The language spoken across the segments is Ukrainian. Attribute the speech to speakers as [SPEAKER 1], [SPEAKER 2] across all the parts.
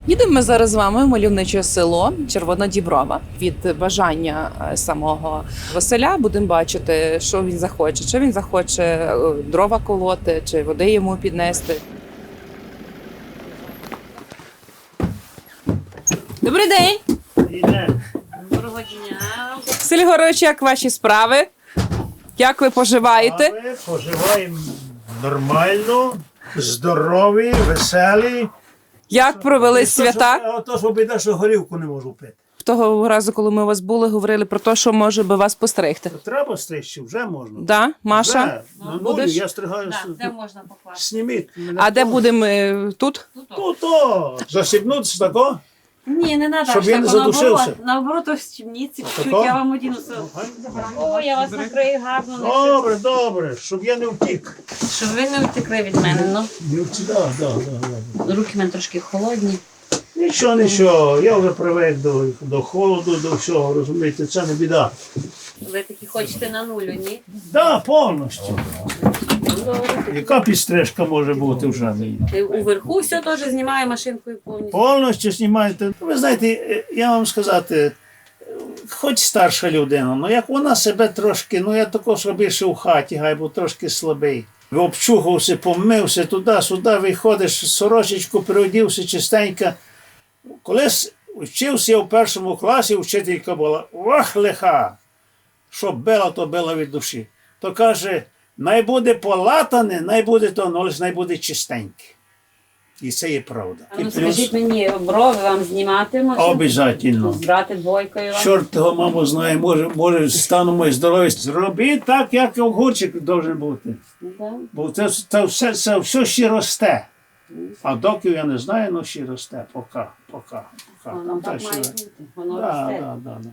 [SPEAKER 1] Їдемо ми зараз з вами в мальовниче село Червонодіброва. Від бажання самого Василя будемо бачити, що він захоче. Чи він захоче дрова колоти, чи води йому піднести. Добрий день!
[SPEAKER 2] Доброго дня.
[SPEAKER 1] Василь Григорович, як ваші справи? Як ви поживаєте?
[SPEAKER 3] Ми поживаємо нормально, здорові, веселі.
[SPEAKER 1] Як провели свята?
[SPEAKER 3] Ото що біда, що горілку не можу пити.
[SPEAKER 1] Того разу, коли ми у вас були, говорили про те, що може би вас постригти.
[SPEAKER 3] Треба стригти, вже можна.
[SPEAKER 1] Да? Маша?
[SPEAKER 3] Вже. На нулі
[SPEAKER 1] будеш?
[SPEAKER 3] я стригаю.
[SPEAKER 2] Де можна покласти?
[SPEAKER 3] Зніміть мене.
[SPEAKER 1] А де будемо тут?
[SPEAKER 3] Ну то, засібнутися тако.
[SPEAKER 2] Ні, не треба.
[SPEAKER 3] Щоб він не задушився.
[SPEAKER 2] Наоборот, в стімніці. Чуть
[SPEAKER 3] Отако?
[SPEAKER 2] я вам одіну. О, я вас накрию гарно.
[SPEAKER 3] Добре, добре, щоб я не втік.
[SPEAKER 2] Щоб ви не втекли від мене, ну.
[SPEAKER 3] Не втік, да.
[SPEAKER 2] Руки в мене трошки холодні.
[SPEAKER 3] Нічого, я вже привик до холоду, до всього, розумієте, це не біда.
[SPEAKER 2] Ви такі хочете на нулю, ні?
[SPEAKER 3] Так, повністю. Яка підстрижка може бути вже мені?
[SPEAKER 2] Уверху все теж знімаю машинкою повністю.
[SPEAKER 3] Повністю знімаєте. Ви знаєте, я вам сказати, хоч старша людина, але як вона себе трошки, я також більше в хаті, гай, бо трошки слабий. Обчухався, помився туди-сюди, виходиш, сорочечку переодівся чистенько. Колись вчився я в першому класі, вчителька була, ох, лиха, що била, то била від душі. То каже, най буде полатане, най буде то, але най буде чистеньке. І це є правда.
[SPEAKER 2] А ну скажіть мені, брови вам знімати можна?
[SPEAKER 3] Обов'язково.
[SPEAKER 2] Збрати двойкою вам?
[SPEAKER 3] Чорт того, мамо, знає, може стану моє здоров'я. Зробіть так, як огурчик має бути.
[SPEAKER 2] Да.
[SPEAKER 3] Бо це все ще росте. А доки я не знаю, але ще росте. Поки.
[SPEAKER 2] Воно так має бути. Воно
[SPEAKER 3] Да.
[SPEAKER 2] росте.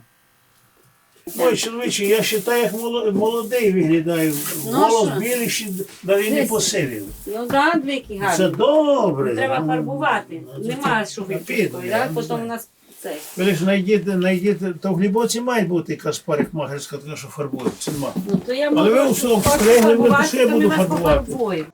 [SPEAKER 3] Ой, чоловіче, я вважаю, як молодий виглядаю. Голос
[SPEAKER 2] що?
[SPEAKER 3] білий, ще навіть не
[SPEAKER 2] Десь.
[SPEAKER 3] посивів.
[SPEAKER 2] Ну так, двійки гарні.
[SPEAKER 3] Це добре.
[SPEAKER 2] Треба фарбувати. Нема що
[SPEAKER 3] піде,
[SPEAKER 2] випікати,
[SPEAKER 3] я
[SPEAKER 2] так?
[SPEAKER 3] не
[SPEAKER 2] Потім
[SPEAKER 3] знаю.
[SPEAKER 2] у нас це.
[SPEAKER 3] Ви лише знайдіть, то в Глибоці має бути якась парикмахерська, така, що фарбує. Це нема.
[SPEAKER 2] Ну то я
[SPEAKER 3] Але ви
[SPEAKER 2] можу
[SPEAKER 3] все обстригли, ви що я буду фарбувати?
[SPEAKER 2] пофарбую.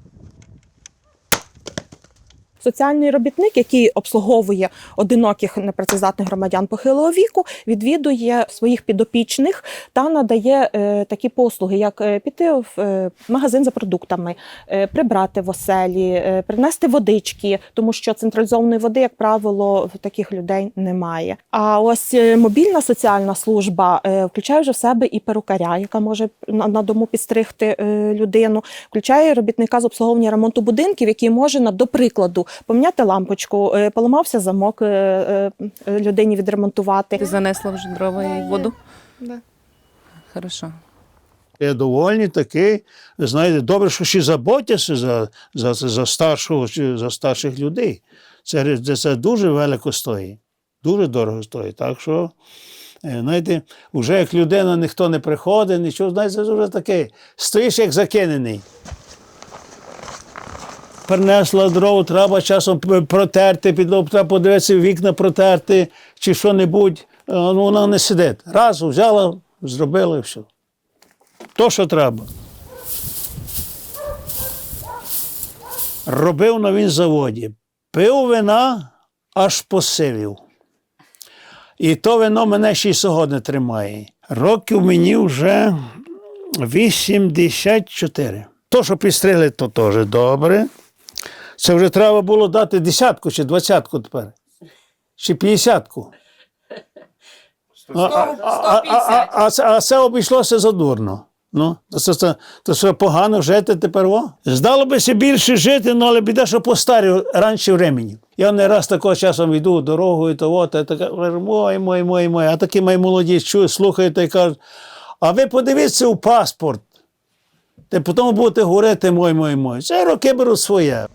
[SPEAKER 4] Соціальний робітник, який обслуговує одиноких непрацездатних громадян похилого віку, відвідує своїх підопічних та надає такі послуги, як піти в магазин за продуктами, прибрати в оселі, принести водички, тому що централізованої води, як правило, в таких людей немає. А ось мобільна соціальна служба включає вже в себе і перукаря, яка може на дому підстригти людину, включає робітника з обслуговування ремонту будинків, який може, до прикладу, поміняти лампочку, поламався замок, людині відремонтувати.
[SPEAKER 1] Ти занесла вже дрова і воду? Да. Хорошо.
[SPEAKER 3] Я довольний такий. Ви знаєте, добре, що ще заботяться за старших людей. Це дуже велико стоїть. Дуже дорого стоїть. Так що, знаєте, вже як людина ніхто не приходить, нічого, знаєте, це вже таке. Стоїш як закинений. Принесла дров, треба часом протерти, підлогу, треба подивитися, вікна протерти чи що-небудь. Вона не сидить. Раз, взяла, зробила і все. То, що треба. Робив на вінзаводі. Пив вина, аж посивів. І то вино мене ще й сьогодні тримає. Років мені вже 84. То, що підстригли, то теж добре. Це вже треба було дати 10-ку чи 20-ку тепер. Чи 50-ку. А це обійшлося задурно. То що погано жити тепер. Здало би більше жити, але біда, що постарів раніше времені. Я не раз такого часом йду дорогою, та така, мой. А такі мої молоді чують, слухають і кажуть, а ви подивіться у паспорт. Та потім будете говорити мой. Це роки беруть своє.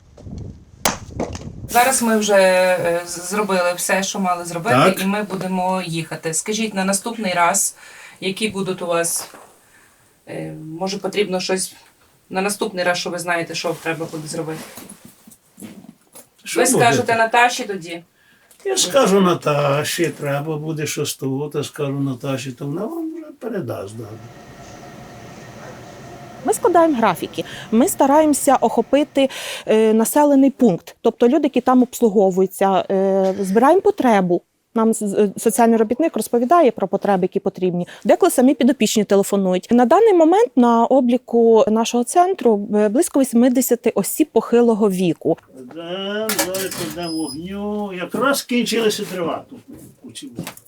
[SPEAKER 1] Зараз ми вже зробили все, що мали зробити,
[SPEAKER 3] Так.
[SPEAKER 1] і ми будемо їхати. Скажіть, на наступний раз, які будуть у вас, може потрібно щось, на наступний раз, що ви знаєте, що треба буде зробити?
[SPEAKER 3] Що
[SPEAKER 1] Ви
[SPEAKER 3] буде?
[SPEAKER 1] скажете Наташі тоді?
[SPEAKER 3] Я скажу Наташі, треба буде щось тут, я скажу Наташі, то вона вам вже передасть.
[SPEAKER 4] Ми складаємо графіки, ми стараємося охопити населений пункт, тобто люди, які там обслуговуються, збираємо потребу. Нам соціальний робітник розповідає про потреби, які потрібні. Деколи самі підопічні телефонують. На даний момент на обліку нашого центру близько 80 осіб похилого віку.
[SPEAKER 3] Зараз кладемо вогню. Якраз кінчилися дрова тут у цьому.